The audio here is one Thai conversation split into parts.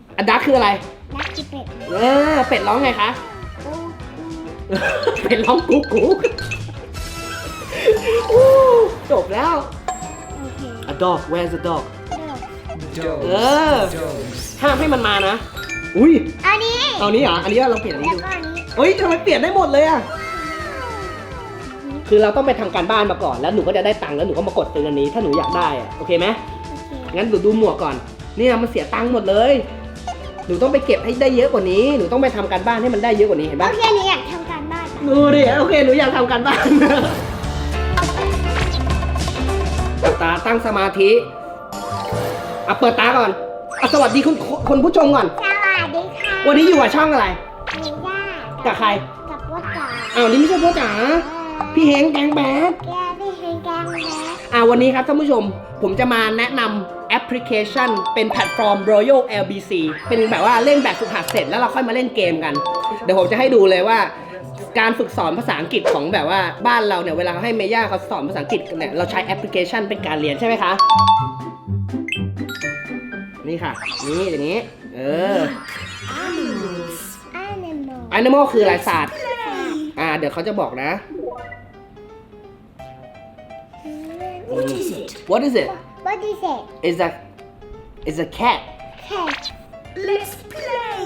อันดักคืออะไรดักคือเป็ดเป็ดร้องไงคะกูเป็ดร้องกุ๊กกุ๊กจบแล้วโอเค A dog where's the dog Dog เออห้ามให้มันมานะอุ้ยอันนี้เอานี้เหรออันนี้เราเปลี่ยนอันนี้แล้วดูก็อันนี้เฮ้ยทำไมเปลี่ยนได้หมดเลยอะคือเราต้องไปทำการบ้านมาก่อนแล้วหนูก็จะได้ตังค์แล้วหนูก็มากดซื้ออันนี้ถ้าหนูอยากได้อะโอเคไหมโอเคงั้นหนูดูหมวกก่อนเนี่ยมันเสียตังค์หมดเลยหนูต้องไปเก็บให้ได้เยอะกว่านี้หนูต้องไปทำการบ้านให้มันได้เยอะกว่านี้เห็นโอปะเคหนูอยากทำการบ้านค่ะดูดิโอเคหนูอยากทำการบ้านตาตั้งสมาธิเปิดตาก่อนสวัสดีคุณผู้ชมก่อนสวัสดีค่ะวันนี้อยู่กับช่องอะไรมีย่ากับใครกับพ่อจ๋านี่ไม่ใช่พ่อจ๋าพี่เฮงแกงแบดแกพี่เฮงแกงแล้วันนี้ครับท่านผู้ชมผมจะมาแนะนำแอปพลิเคชันเป็นแพลตฟอร์ม Royal LBC เป็นแบบว่าเล่นแบบฝึกหัดเสร็จแล้วเราค่อยมาเล่นเกมกันเดี๋ยวผมจะให้ดูเลยว่าการฝึกสอนภาษาอังกฤษของแบบว่าบ้านเราเนี่ยเวลาให้เมย่าเขาสอนภาษาอังกฤษเนี่ยเราใช้แอปพลิเคชันเป็นการเรียนใช่ไหมคะนี่ค่ะนี่อย่างนี้Animal คืออะไรศาสตร์เดี๋ยวเขาจะบอกนะ What is it? What is it? What is it? It's a cat Cat. Let's play.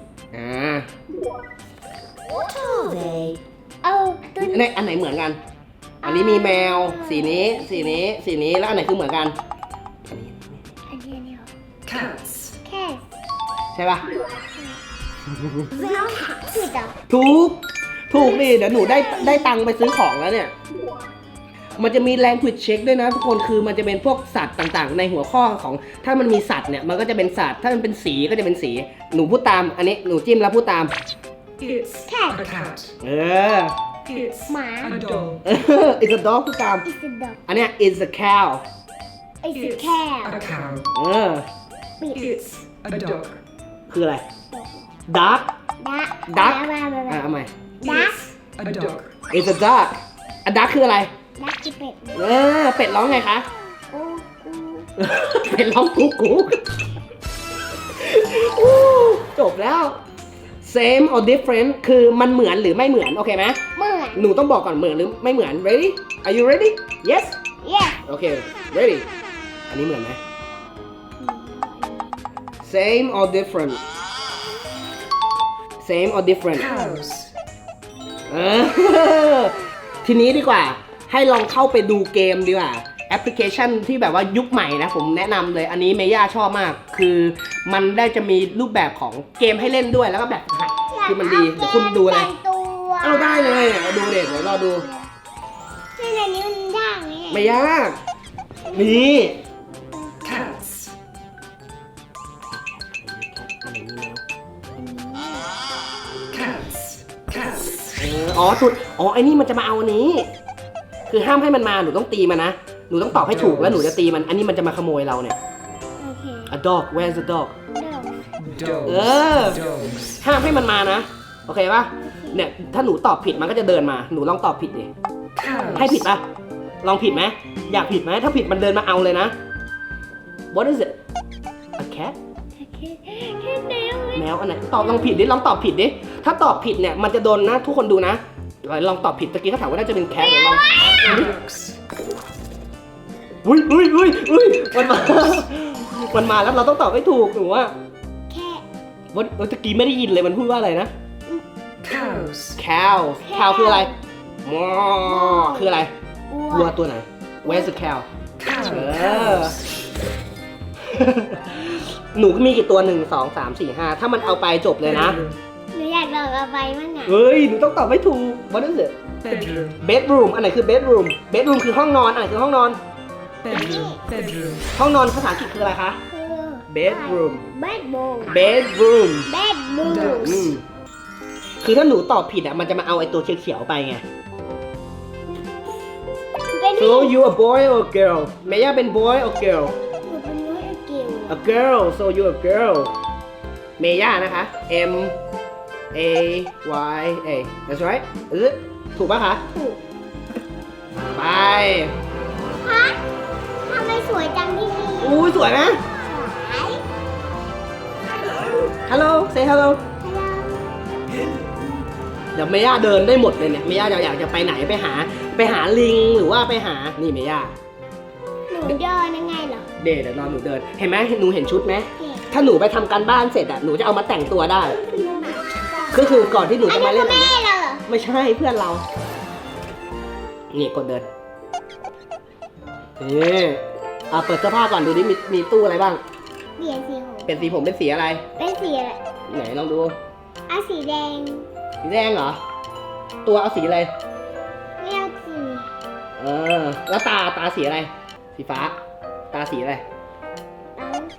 What are they? เอาตัวอันไหนเหมือนกัน อันนี้มีแมวสีนี้สีนี้สีนี้แล้วอันไหนคือเหมือนกันอันนี้เหรอ Cats. Cat. ใช่ปะ They are cats. คือดอกถูกดิเดี๋ยวหนูได้ตังค์ไปซื้อของแล้วเนี่ยมันจะมี language check ด้วยนะทุกคนคือมันจะเป็นพวกสัตว์ต่างๆ ในหัวข้อของถ้ามันมีสัตว์เนี่ยมันก็จะเป็นสัตว์ถ้ามันเป็นสีก็จะเป็นสีหนูพูดตามอันนี้หนูจิ้มแล้วพูดตาม It's Cat. a cat. เออ It's หมา a dog. it's a dog พูดตาม It's a dog. อันเนี้ย is a cow It's a It's cat. a cow. ปิด It's a dog. คืออะไร duck ดัก duck มาเอาใหม่ดัก A dog. is a duck duck คืออะไรดักคือเป็ดเป็ดร้องไงคะกูกูเป็ดร้องกุ๊กกุ๊กจบแล้ว same or different คือมันเหมือนหรือไม่เหมือนโอเคไหมเหมือนหนูต้องบอกก่อนเหมือนหรือไม่เหมือน ready are you ready yes yes โอเค ready อันนี้เหมือนไหม same or different same or different Cows. ทีนี้ดีกว่าให้ลองเข้าไปดูเกมดีกว่าแอปพลิเคชันที่แบบว่ายุคใหม่นะผมแนะนำเลยอันนี้เมย่าชอบมากคือมันได้จะมีรูปแบบของเกมให้เล่นด้วยแล้วก็แบบฝึกหัดคือมันดีเดี๋ยวคุณดูอะไรแต่งตัวเอาได้เลยเอาดูเด็กเดี๋ยวรอดูที่ในนี้มันยากไหมไม่ยากนี่ Cats. Cats. Cats. ไอ้นี่มันจะมาเอาอันนี้ คือห้ามให้มันมาหนูต้องตีมันนะหนูต้องตอบให้ถูกแล้วหนูจะตีมันอันนี้มันจะมาขโมยเราเนี่ยโอเค A dog where's the dog Dogs. Dogs. ห้ามให้มันมานะโอเคปะเนี่ยถ้าหนูตอบผิดมันก็จะเดินมาหนูลองตอบผิดดิ Cows. ให้ผิดปะลองผิดไหมอยากผิดไหมถ้าผิดมันเดินมาเอาเลยนะ What is it A cat โอเคแค่แนวแมวอันไหนตอบลองผิดดิลองตอบผิดดิถ้าตอบผิดเนี่ยมันจะโดนนะทุกคนดูนะลองตอบผิดตะกี้เขาถามว่าน่าจะเป็นแคทเดี๋ยวลอง Dogs. อุ้ยมันมาแล้วเราต้องตอบให้ถูกหนูว่าแค่ว่าตะกี้ไม่ได้ยินเลยมันพูดว่าอะไรนะ Cows. cow cow คืออะไรมอคืออะไรวัวัววตัวไหน where's the cow Cows. Cows. หนูมีกี่ตัว1 2 3 4 5ถ้ามันเอาไปจบเลยนะหนูอยากลองเอาไปมั่งอ่ะเฮ้ยหนูต้องตอบให้ถูก What is it Bedroom. bedroom อันไหนคือ bedroom bedroom คือห้องนอนอันไหนคือห้องนอน Bedroom. Bedroom. ห้องนอนภาษาอังกฤษคืออะไรคะคือ bedroom bedroom bedroom bedroom อืมคือถ้าหนูตอบผิดอ่ะมันจะมาเอาไอ้ตัวเขียวๆไปไงเป็น so you a boy or girl เมย่าเป็น boy or girl หนูเป็นน้อยเกี่ยว a girl so you a girl เมย่านะคะ M A Y A that's right is it ถูกปะคะถูกไปฮะทำไมสวยจังที่นี่อู้สวยไหมสวยฮัลโหล say hello ฮัลโหลเดี๋ยวเมย่าเดินได้หมดเลยเนี่ยเมย่าอยากจะไปไหนไปหาลิงหรือว่าไปหานี่เมย่าหนูเดินยังไงเหรอเดี๋ยวรอหนูเดินเห็นไหมหนูเห็นชุดไหมเห็นถ้าหนูไปทำการบ้านเสร็จอ่ะหนูจะเอามาแต่งตัวได้ก็คือก่อนที่หนูอันจะนี้มาเล่คืนออันแม่เนี้ยเราเหรอไม่ใช่เพื่อนเรานี่กดเดินนี่เปิดเสื้อผ้าก่อนดูดิมีตู้อะไรบ้างเปลี่ยนสีผมเป็นสีผมเป็นสีอะไรเป็นสีอะไรไหนลองดูอ่ะสีแดงสีแดงเหรอตัวเอาสีอะไรเรียกสีแล้วตาสีอะไร สีฟ้า ตาสีอะไรสี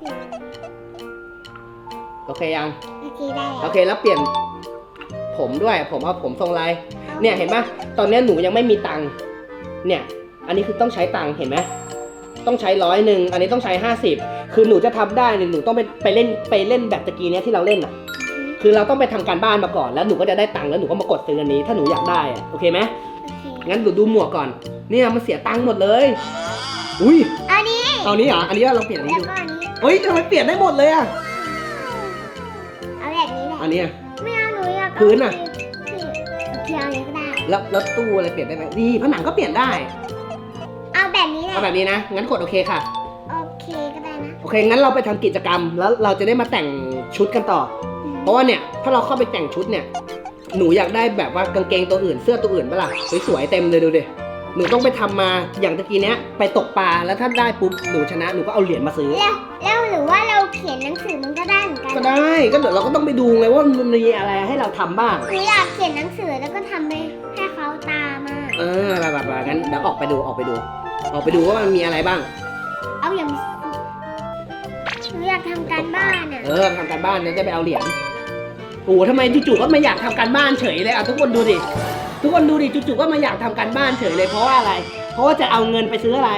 โอเคยังโอเคได้โอเคแล้วเปลี่ยนผมด้วยผมเอาผมทรงอะไรเนี่ยเห็นไหมตอนนี้หนูยังไม่มีตังค์เนี่ยอันนี้คือต้องใช้ตังค์เห็นไหมต้องใช้100อันนี้ต้องใช้50คือหนูจะทำได้เนี่ยหนูต้องไปเล่นแบบตะกี้เนี้ยที่เราเล่นอ่ะคือเราต้องไปทำการบ้านมาก่อนแล้วหนูก็จะได้ตังค์แล้วหนูก็มากดซื้ออันนี้ถ้าหนูอยากได้อะโอเคไหมโอเคงั้นหนูดูหมวกก่อนเนี่ยมันเสียตังค์หมดเลยอุ้ยอันนี้เอานี้เหรออันนี้เราเปลี่ยนอันแล้นี้วดูก็อันนี้เฮ้ยทำไมเปลี่ยนได้หมดเลยอ่ะเอาแบบนี้แหละอันนี้อะไม่เอาหนูอยากเอาพื้นอะสีโอเคเอาอย่างนี้ก็ได้แล้วตู้อะไรเปลี่ยนได้ไหมนี่ผนังก็เปลี่ยนได้เอาแบบนี้แหละเอาแบบนี้นะงั้นกดโอเคค่ะโอเคก็ได้นะโอเค งั้นเราไปทำกิจกรรมแล้วเราจะได้มาแต่งชุดกันต่อ เพราะว่าเนี่ย ถ้าเราเข้าไปแต่งชุดเนี่ย หนูอยากได้แบบว่ากางเกงตัวอื่น เสื้อตัวอื่นปะล่ะสวยๆเต็มเลยดูดิ หนูต้องไปทำมาอย่างตะกี้เนี้ยไปตกปลาแล้วถ้าได้ปุ๊บหนูชนะหนูก็เอาเหรียญมาซื้อแล้วหรือว่าเราเขียนหนังสือมันก็ได้เหมือนกันก็ได้ ก็เดี๋ยวเราก็ต้องไปดูไงว่ามันมีอะไรให้เราทำบ้างหนูอยากเขียนหนังสือแล้วก็ทำให้เขาตามมาแบบงั้นเดี๋ยวออกไปดูว่ามันมีอะไรบ้างเอาอย่างหนูอยากทำการบ้านอ่ะทำการบ้านแล้วจะไปเอาเหรียญโอ้ทำไมจู่ๆก็มาอยากทำการบ้านเฉยเลยอ่ะทุกคนดูดิจู่ๆก็มาอยากทำการบ้านเฉยเลยเพราะว่าอะไร เพราะว่าจะเอาเงินไปซื้ออะไร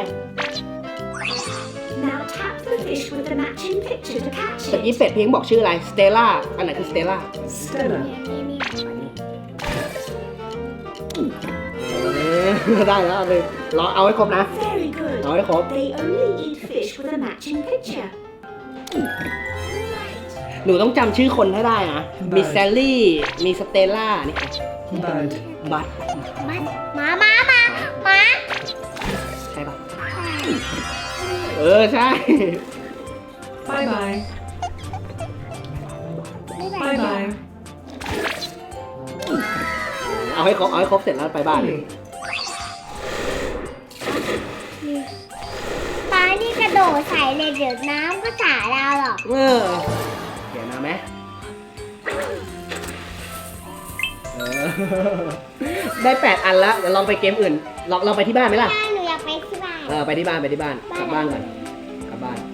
Now tap the fish with the matching picture to catch ตะ it. กี้เสร็จเพียงบอกชื่ออะไรสเตลล่าอันไหนคือสเตลล่า Stella. ได้แล้วเอาเลยรอเอาให้ครบนะ Very good. เอาให้ครบ They only eat fish with a matching picture. หนูต้องจำชื่อคนให้ได้นะมีแซลลี่มีสเตลล่านี่ Bud. บัตมาใช่ปะใช่ Bye bye. Bye bye. เอาให้ครบเสร็จแล้วไปบ้านเลยปลานี่กระโดดใส่เลยเดี๋ยวน้ำก็สาเราหรอกเดี๋ยวนะไหมได้8 อันแล้วเดี๋ยวลองไปเกมอื่นลองไปที่บ้านไหมล่ะได้หนูอยากไปที่บ้านไปที่บ้านกลับบ้านก่อนกลับบ้าน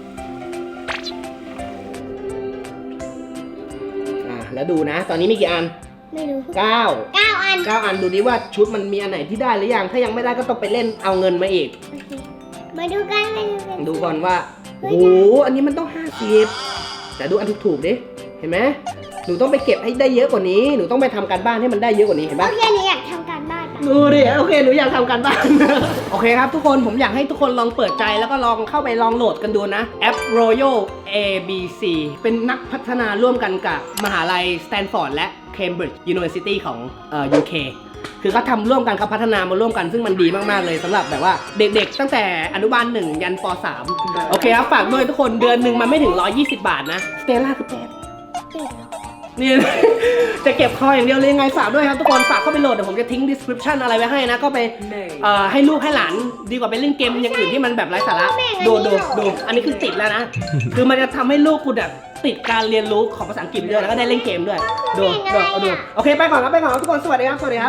แล้วดูนะ ตอนนี้มีกี่อันไม่รู้ 9 9 อันอันดูดิว่าชุดมันมีอันไหนที่ได้หรือยังถ้ายังไม่ได้ก็ต้องไปเล่นเอาเงินมาอีกโอเคมาดูกันดูก่อนว่าโอ้โหอันนี้มันต้อง50แต่ดูอันถูกๆดิเห็นไหมหนูต้องไปเก็บให้ได้เยอะกว่านี้หนูต้องไปทำการบ้านให้มันได้เยอะกว่านี้เห็นโอปะเคหนูอยากทำการบ้านอะดูดิโอเคหนูอยากทำการบ้าน โอเคครับทุกคนผมอยากให้ทุกคนลองเปิดใจแล้วก็ลองเข้าไปลองโหลดกันดูนะแอป Royal ABC เป็นนักพัฒนาร่วมกันกับมหาลัย Stanford และ Cambridge University ของUK คือเขาทำร่วมกันเขาพัฒนามาร่วมกันซึ่งมันดีมากๆเลยสำหรับแบบว่าเด็กๆตั้งแต่อนุบาล1ยันป.3 โอเคครับฝากด้วยทุกคนเดือนหนึ่งมันไม่ถึง120 บาทนะสเตลล่าคือแปด นี่ จะเก็บคออย่างเดียวเลยยังไงฝากด้วยครับทุกคนฝากเข้าไปโหลดเดี๋ยวผมจะทิ้ง description อะไรไว้ให้นะก็ไป May. ให้ลูกให้หลานดีกว่าไปเล่นเกมอย่างอื่นที่มันแบบไร้สาระดูอันนี้คือติดแล้วนะ คือมันจะทำให้ลูกคุณแบบติดการเรียนรู้ของภาษาอังกฤษด้วยแล้วก็ได้เล่นเกมด้วยดูโอเคไปก่อนครับทุกคนสวัสดีครับ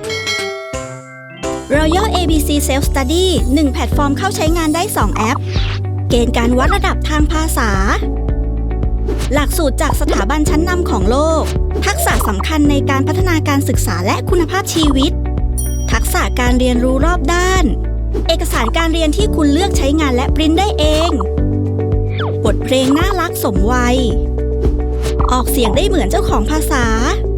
Royal ABC Self Study 1 แพลตฟอร์มเข้าใช้งานได้ 2 แอป เกณฑ์การวัดระดับทางภาษา หลักสูตรจากสถาบันชั้นนำของโลก ทักษะสำคัญในการพัฒนาการศึกษาและคุณภาพชีวิต ทักษะการเรียนรู้รอบด้าน เอกสารการเรียนที่คุณเลือกใช้งานและปริ้นได้เอง บทเพลงน่ารักสมวัย ออกเสียงได้เหมือนเจ้าของภาษา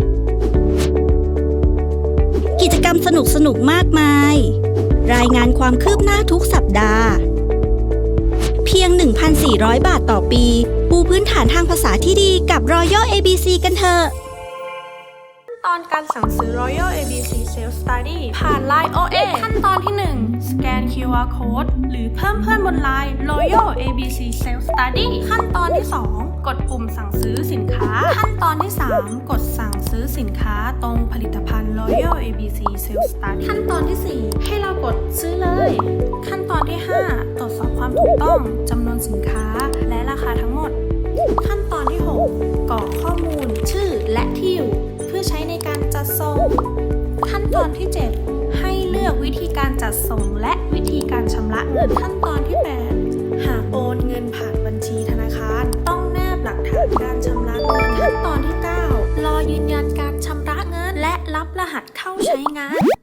กิจกรรมสนุกๆ มากมาย รายงานความคืบหน้าทุกสัปดาห์เพียง 1,400 บาทต่อปี ปูพื้นฐานทางภาษาที่ดีกับ Royal ABC กันเถอะตอนการสั่งซื้อ Royal ABC Self Study ผ่าน Line OA ขั้นตอนที่ 1 สแกน QR Code หรือเพิ่มเพื่อนบน Line Royal ABC Self Study ขั้นตอนที่ 2 กดปุ่มสั่งซื้อสินค้า ขั้นตอนที่ 3 กดสั่งซื้อสินค้าตรงผลิตภัณฑ์ Royal ABC Self Study ขั้นตอนที่ 4 ให้เรากดซื้อเลย ขั้นตอนที่ 5 ตรวจสอบความถูกต้องจำนวนสินค้าและราคาทั้งหมด ขั้นตอนที่ 6 กรอกข้อมูล ชื่อและที่อยู่เพื่อใช้ในการจัดส่ง ขั้นตอนที่ 7 ให้เลือกวิธีการจัดส่งและวิธีการชำระเงิน ขั้นตอนที่ 8 หากโอนเงินผ่านบัญชีธนาคารต้องแนบหลักฐานการชำระเงิน ขั้นตอนที่ 9 รอยืนยันการชำระเงินและรับรหัสเข้าใช้งาน